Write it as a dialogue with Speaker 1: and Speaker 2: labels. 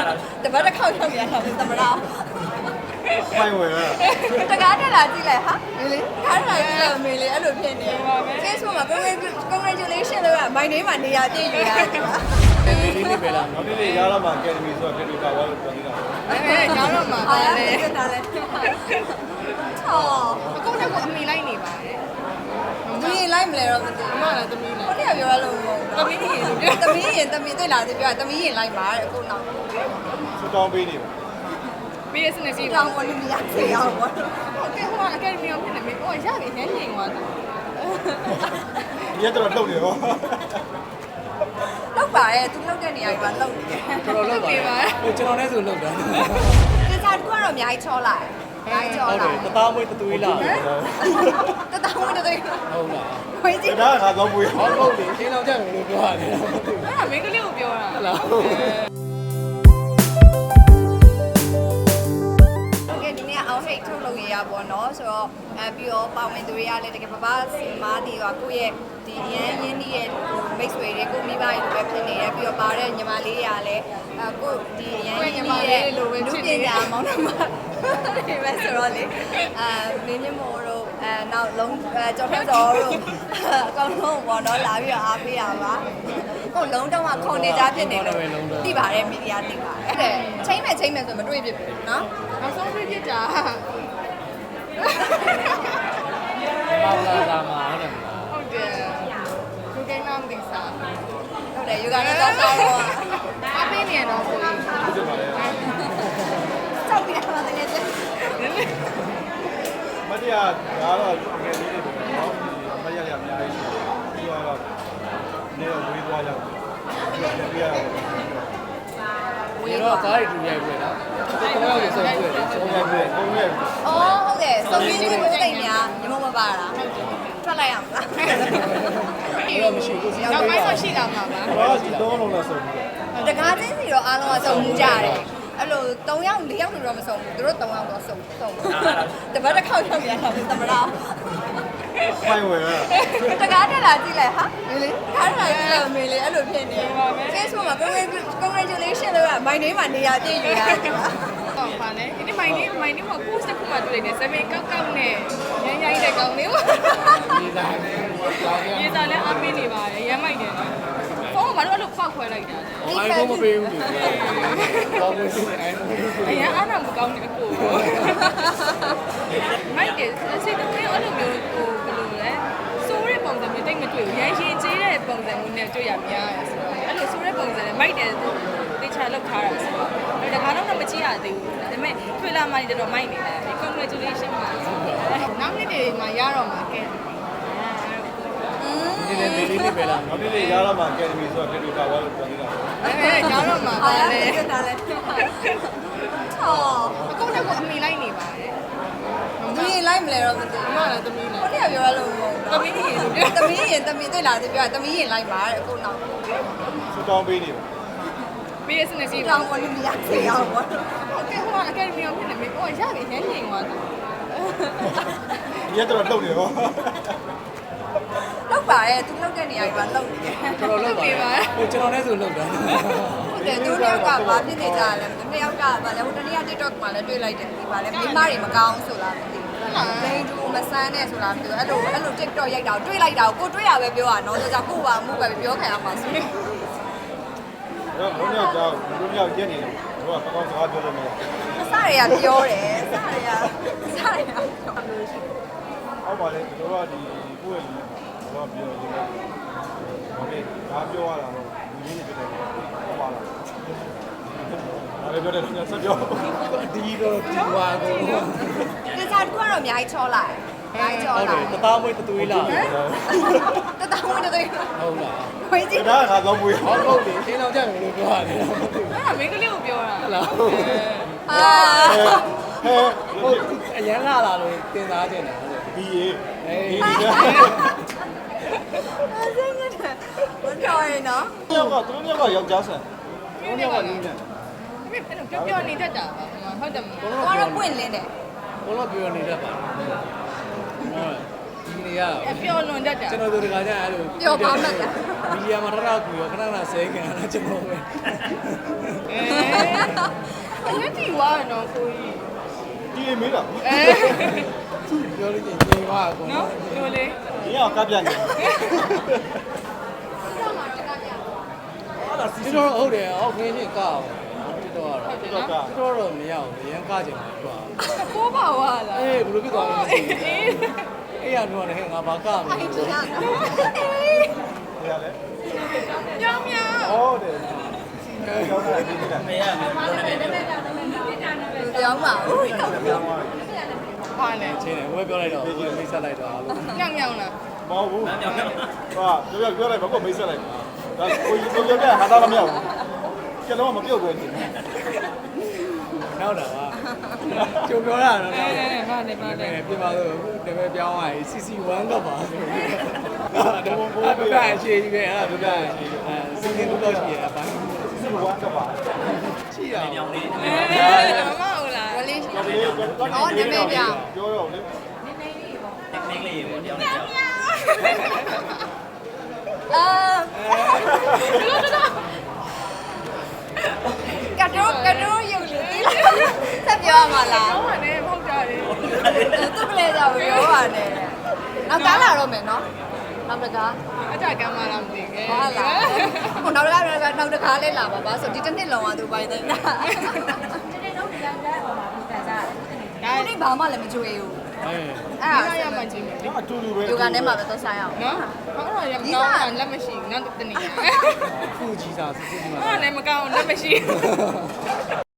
Speaker 1: တပတ်တစ်ခေါက်ရောက်ရတာသမရာ
Speaker 2: မိုင်းဝင်ရ
Speaker 1: တကားတက်လာကြည့်လိုက်ဟာမေလေးကားတက်လာကြည့်လိုက်မေလေးအဲ့လိုဖြစ်နေ Facebook မှာ congratulation လို့က my name မှာနေရာပြည့်ယူရတယ်
Speaker 3: ဒီနေ့ပဲလား
Speaker 2: နောက်နေ့ရလာမှာ Academy ဆိုတာဖြစ်ပြီးပါသွားလို့ပြောနေတာ
Speaker 1: ရောင်းတော့မှာပါလေနားလဲဟော
Speaker 4: အကုန်လုံးကအမိလိုက်နေပါတယ်
Speaker 1: မင်းလိုက်မလဲတော့မသိ
Speaker 4: အမလည်းသမီးနဲ့
Speaker 1: ကိုတည်းကပြောရလို့မဟုတ်ဘူးသမီးရင်တွေ့လာသေးပြောသမီးရင်လိုက်ပါတဲ့အခုနောက်
Speaker 2: စတောင်းပေးနေပါ
Speaker 4: ပြီးရစနေစီ
Speaker 1: တောင်းဝင်မရစေအောင်ပေါ့
Speaker 4: ဟုတ်ကဲ့ဟိုကအကယ်ဒမီအောင်ဖြစ်နေပြီဟိုရပြီညညင်သွားတာ
Speaker 2: ရက်တော့လှုပ်နေရော
Speaker 1: လောက်ပါရဲ့သူလောက်တဲ့နေရာကလောက်နေတယ်
Speaker 3: တော်တော်လောက်ပါဟိုကျွန်တော်လည်းဆိုလောက်တာ
Speaker 1: ဒီစားတခုကတော့အများကြီးချောလိုက်အများကြီးချော
Speaker 3: ဟုတ်တယ်တသားမွေးတသွေးလား
Speaker 1: တသားမွေးတသွေး
Speaker 3: ဟုတ်လား
Speaker 1: ခွေးကြီး
Speaker 2: ဒါကတော့မွေး
Speaker 3: ဟုတ်တယ်ရှင်းအောင်ကြမယ်လို့ပြောရတယ်
Speaker 4: အဲ့ဒါမင်းကလေးကိုပြောတာ
Speaker 3: ဟုတ်လား
Speaker 1: ဒီနေ့အောင်ဟိတ်ထုတ်လုပ်ရရပေါ့နော်ဆိုတော့ပြီးတော့ပေါဝင်သူတွေကလည်းတကယ်ပပစီမားတီကကိုယ့်ရဲ့ဒီရန်ရင်းနှီးရဲ့မိတ်ဆွေတွေကိုမိဘတွေလိုပဲဖြစ်နေတယ်ပြီးတော့ပါတဲ့ညီမလေးတွေကလည်းကိုဒီရန်ရင်းနှီးရဲ့လူပညာမောင်နှမဒီပဲဆိုတော့လေမင်းမြင့်မို့တို့နောက်လုံးကျော်ထက်စောတို့အကောင်လုံးပေါ့နော်လာပြီးတော့အားပေးရပါဟုတ်လုံးတော့ခုန်နေကြဖြစ်နေလို့သိပါတယ်မီဒီယာသိပါတယ်အဲ့ဒါချိန်မဲ့ဆိုမတွေ့ဖြစ်ဘူးနော်
Speaker 4: နောက်ဆုံးပြစ်တာ
Speaker 3: ပါလာတာမှာ
Speaker 4: ဟုတ်တယ်လူကိန်းနာမသိစား
Speaker 1: ဟုတ်တယ်ယူကတော့စားတော့
Speaker 4: အပေးနေတော့ကိုကြီး
Speaker 1: စောက်ပြရမှာတကယ်ချင်း
Speaker 2: မတရားဒါတော့ငယ်လေးတွေပေါ့နော်မရရအများကြီးပြီးတော့နေတော့ဝေးသွားရောက်ပြီးပြရအောင်
Speaker 3: ဝေးတော့ကားရီတူရိုက်ပြီလားတော့ရောက်ဆုံးပြီဆုံးရိုက်ပြီ
Speaker 2: ဟုတ်ရဲ့
Speaker 1: အော်ဟုတ်တယ်စုံရင်းလေးကိုသိညာညီမမပါတာထွက်လိုက်ရမလား
Speaker 3: တော့မရှိဘူး
Speaker 4: နောက်ပိုင်းတော့ရှိလာမှာပါ
Speaker 2: ဘာဒီတော့လုံးလားဆုံးပြီ
Speaker 1: တကားချင်းစီတော့အားလုံးကစုံမှုကြတယ်အဲ့လို3ယောက်4ယောက်တော့မစုံဘူးသူတို့3ယောက်တော့စုံတပတ်တစ်ခေါက်ရောက်ရတာသမရာ
Speaker 2: မိုင်းဝင်ရ
Speaker 1: တကားတက်လာကြည့်လိုက်ဟာမေလေးကားတက်လာကြည့်လိုက်မေလေးအဲ့လိုဖြစ်နေ Facebook မှာ congratulation လို့က my name မှာနေရာပြည့်ယူရတယ်
Speaker 4: ဟုတ်ပါလေဒီမိုင်းနေမှာ post တစ်ခုမှတွေ့နေ7ကောက်နဲ့ရမ်းရိုင်းတဲ့ကောင်းလေးကိုရေးစားလဲအပင်းနေပါတယ်ရမ်းမိုက်တယ်နော်ဖုန်းကဘာလို့အဲ့လိုဖောက်ခွဲလိုက်တာလဲ
Speaker 3: အိုင်ဖုန်းမပေးဘူးဘောမစီအိုင်ဖုန်း
Speaker 4: အရင်အားမကောင်းတဲ့အကိုမိုက်တယ်စိတ်တော်ရဲ့အဲ့လိုမျိုးဟိုဘယ်လိုလဲစိုးရဲပုံစံမျိုးတိတ်မတွေ့ဘူးရမ်းရင်ကျေးတဲ့ပုံစံမျိုးနဲ့တွေ့ရများတယ်ဆိုတော့အဲ့လိုစိုးရဲပုံစံနဲ့မိုက်တယ်တေချာလောက်ထားတာဆိုတော့ဒါကတော့တော့မကြည့်ရသေးဘူးဒါပေမဲ့တွေ့လာမှလည်းတော့မိုက်နေတယ် congratulation ပါနောက်နေ့တွေမှာရတော့မှာကဲ
Speaker 3: ဒီနေ့လေးပဲလား
Speaker 2: နောက်နေ့ရလာမှာ Academy ဆိုတာဖြစ်ပြီးပါသွားလို့ပြောနေတာ
Speaker 4: ရောင်းတော့မှာပါလေ
Speaker 1: နားလဲဟော
Speaker 4: အကုန်လုံးကအမိလိုက်နေပါတယ်
Speaker 1: မင်းလိုက်မလဲတော့မသိ
Speaker 4: အမလည်းသမီးနဲ့
Speaker 1: ကိုတည်းကပြောရလို့မဟုတ်ဘူးသမီးရင်တွေ့လာသေးပြောသမီးရင်လိုက်ပါတဲ့အခုနောက်
Speaker 2: စတောင်းပေးနေပါ
Speaker 4: ပြီးရစနေစီ
Speaker 1: တောင်းဝင်မရစေအောင်ပေါ့
Speaker 4: ဟုတ်ကဲ့ဟိုကအကယ်ဒမီအောင်ဖြစ်နေပြီဟိုရပြီညညင်သွားတာ
Speaker 2: ရက်တော့လှုပ်နေရော
Speaker 1: လောက်ပါရဲ့သူလောက်တဲ့နေရာကလောက်နေတယ်
Speaker 3: တော်တော်လောက်ပါဟိုကျွန်တော်လည်းဆိုလောက်တာ
Speaker 1: ဟုတ်တယ်သူတယောက်ကဘာဖြစ်နေကြလဲနှစ်ယောက်ကဗာလဲဟိုတနေ့က TikTok မှာလည်းတွေ့လိုက်တယ်ဒီဗာလဲမိမတွေမကောင်းဆိုလားမသိဘူးလိန်တူမဆန်းနဲ့ဆိုလားမသိဘူးအဲ့လို TikTok ရိုက်တာတွေ့လိုက်တာကိုတွေ့ရပဲပြောတာနော်ဆိုကြကိုပါမှုပဲပြောခံရမှာဆို
Speaker 2: တော့ဘုန်းကြီးကြောက်ဘုန်းကြီးရက်နေတယ်တို့ကကောင်းစကားပြောလို့မရ
Speaker 1: အစတွေကပြောတယ်အစတွေက
Speaker 2: ဟုတ်ပါလေတို့ကဒီကိုယ့်ရဲ့လူတို့ကပြောနေတယ်โอเคဒါပြောရတာတော့လူကြီးနေပြတယ်ဟုတ်ပါလားဒါလည်းပြောတယ်ညဆက်ပြော
Speaker 3: ဒီတော့ဒီဝါကို
Speaker 1: ဒီစားတခုကတော့အများကြီးချောလိုက်အများကြီးချောလိုက်
Speaker 3: တသားမွေးတသွေးလား
Speaker 1: တသားမွေးတသွေး
Speaker 3: ဟုတ်လား
Speaker 1: ခွေးကြီး
Speaker 2: ဒါကတော့မွေး
Speaker 3: ဟုတ်တယ်ရှင်းအောင်ကြမယ်လို့ပြောရတယ်
Speaker 4: အဲ့ဒါမင်းကလေးကိုပြောတာ
Speaker 3: ဟုတ်လား
Speaker 1: အာ
Speaker 3: ဟုတ်အရန်လာလာလို့တင်စားခြင်းတယ်
Speaker 2: ဒီအေး
Speaker 3: အေး
Speaker 1: အဲ့ဒါဘယ်ပြောရနော်
Speaker 2: သူတို့ကယောက်ျားဆန်သူတို့ကနင်းတယ်
Speaker 4: အဲ့တော့ပြောနေတတ်တာပါဟုတ်တယ်မ
Speaker 1: လားကတော့ပွင့်လင်းတယ်
Speaker 3: ဘလို့ပြောနေတတ်ပါဟုတ်ဒီနေရ
Speaker 4: ပြောလွန်တတ်တာ
Speaker 3: ကျွန်တော်တို့တခါကျအဲ့လို
Speaker 1: ပြောပါမှတ်တာ
Speaker 3: မီဒီယာမှာထထကူရောခဏခဏဆဲခံရတာကျွန်တော်ပဲ
Speaker 4: သွားတယ်နော်ကိုကြီး
Speaker 2: ဒီအိမ်မေးတာ
Speaker 3: ပြောလို့ချင်းနေပါအကုန်
Speaker 4: နော်ပြောလေ
Speaker 2: ဒီအောင်ကပ်ပြနေ
Speaker 3: ဒီတော့ဟုတ်တယ်အောက်ခင်းချင်းကောက်ဒီတော့
Speaker 4: ဟုတ်တယ်
Speaker 2: တော့
Speaker 4: နော်
Speaker 2: က
Speaker 3: ဒီတော့မရဘူးရန်ကားချင်မှာကွာ
Speaker 4: ပိုးပါဝါလား
Speaker 3: အေးဘယ်လိုဖြစ်သွားလဲမသိဘူးအေးရတော့လည်းငါဘာကမလဲ
Speaker 2: ဒီရလဲ
Speaker 4: ညောင်ညောင်
Speaker 2: ဟုတ်တယ်ကျောင်းသားဒီကမေးရမယ်
Speaker 1: ပြောင်းပါဦး
Speaker 2: ပြောင်းသွားတယ်
Speaker 4: ဘာလဲ
Speaker 3: ချင်းတယ်ဝဲပြောလိုက်တော့မိတ်ဆက်လိုက်တော့အားလုံး
Speaker 4: ညောင်ညောင်လား
Speaker 2: မဟုတ်ဘူးဟာပြောလိုက်ဘာကိုမိတ်ဆက်လိုက်ဒါကိုကြီးပြောတဲ့ဟာသားမမြောက်ဘူးကျလုံးမပြုတ်ခွင့်နေ
Speaker 3: နောက်တာပါကြုံပြောတာတော့
Speaker 4: ဘာလဲဘာလဲ
Speaker 3: ပြပါတော့တပည့်ပြောင်းသွားရင် CC1 ကပါဆိုတော့ဘယ်အခြေကြီးပဲအဲ့ဒါဘယ်စီစဉ်လို့ရှိရအပိုင်း
Speaker 2: စီဝါကပါ
Speaker 3: ရှိရအောင်လေး
Speaker 4: မမဟုတ်လား
Speaker 1: ဝလေး
Speaker 2: တော်ပြီပြောတော့လေ
Speaker 1: နေနေပြောင်း
Speaker 2: ပြောတော့လေ
Speaker 1: ကတော့ရုပ်လေးဆက်ပြောရမှာလား
Speaker 4: ဟောပါနဲ့ဖောက်ကြတယ်
Speaker 1: သူ့ကလေးကြောင့်ပြောပါနဲ့နောက်ကားလာတော့မယ်နော်နောက်တကား
Speaker 4: အကြကမ်းမလားမသိခဲ့
Speaker 1: ဟာလာဟိုနောက်တကားနောက်တကားလေးလာပါပါဆိုဒီတစ်နှစ်လုံးကသူပိုင်တယ်ဒါ
Speaker 4: ဒါ
Speaker 1: ဒီနေ့ဘာမှလည်းမကြွေးဘူး
Speaker 3: အေး
Speaker 1: အဲ့ဒါ
Speaker 4: ရမှချင်းတယ်
Speaker 2: အတူတူပဲ
Speaker 1: ယောဂထဲမှာပဲသွားဆိုင်အောင်
Speaker 4: နော်ဟောတော့ရမကောင်းတာလက်မရှိဘူးနောက်တနေ့
Speaker 3: ဖူကြီးစားစူးကြီးမှာ
Speaker 4: ဟောလည်းမကောင်းလက်မရှိ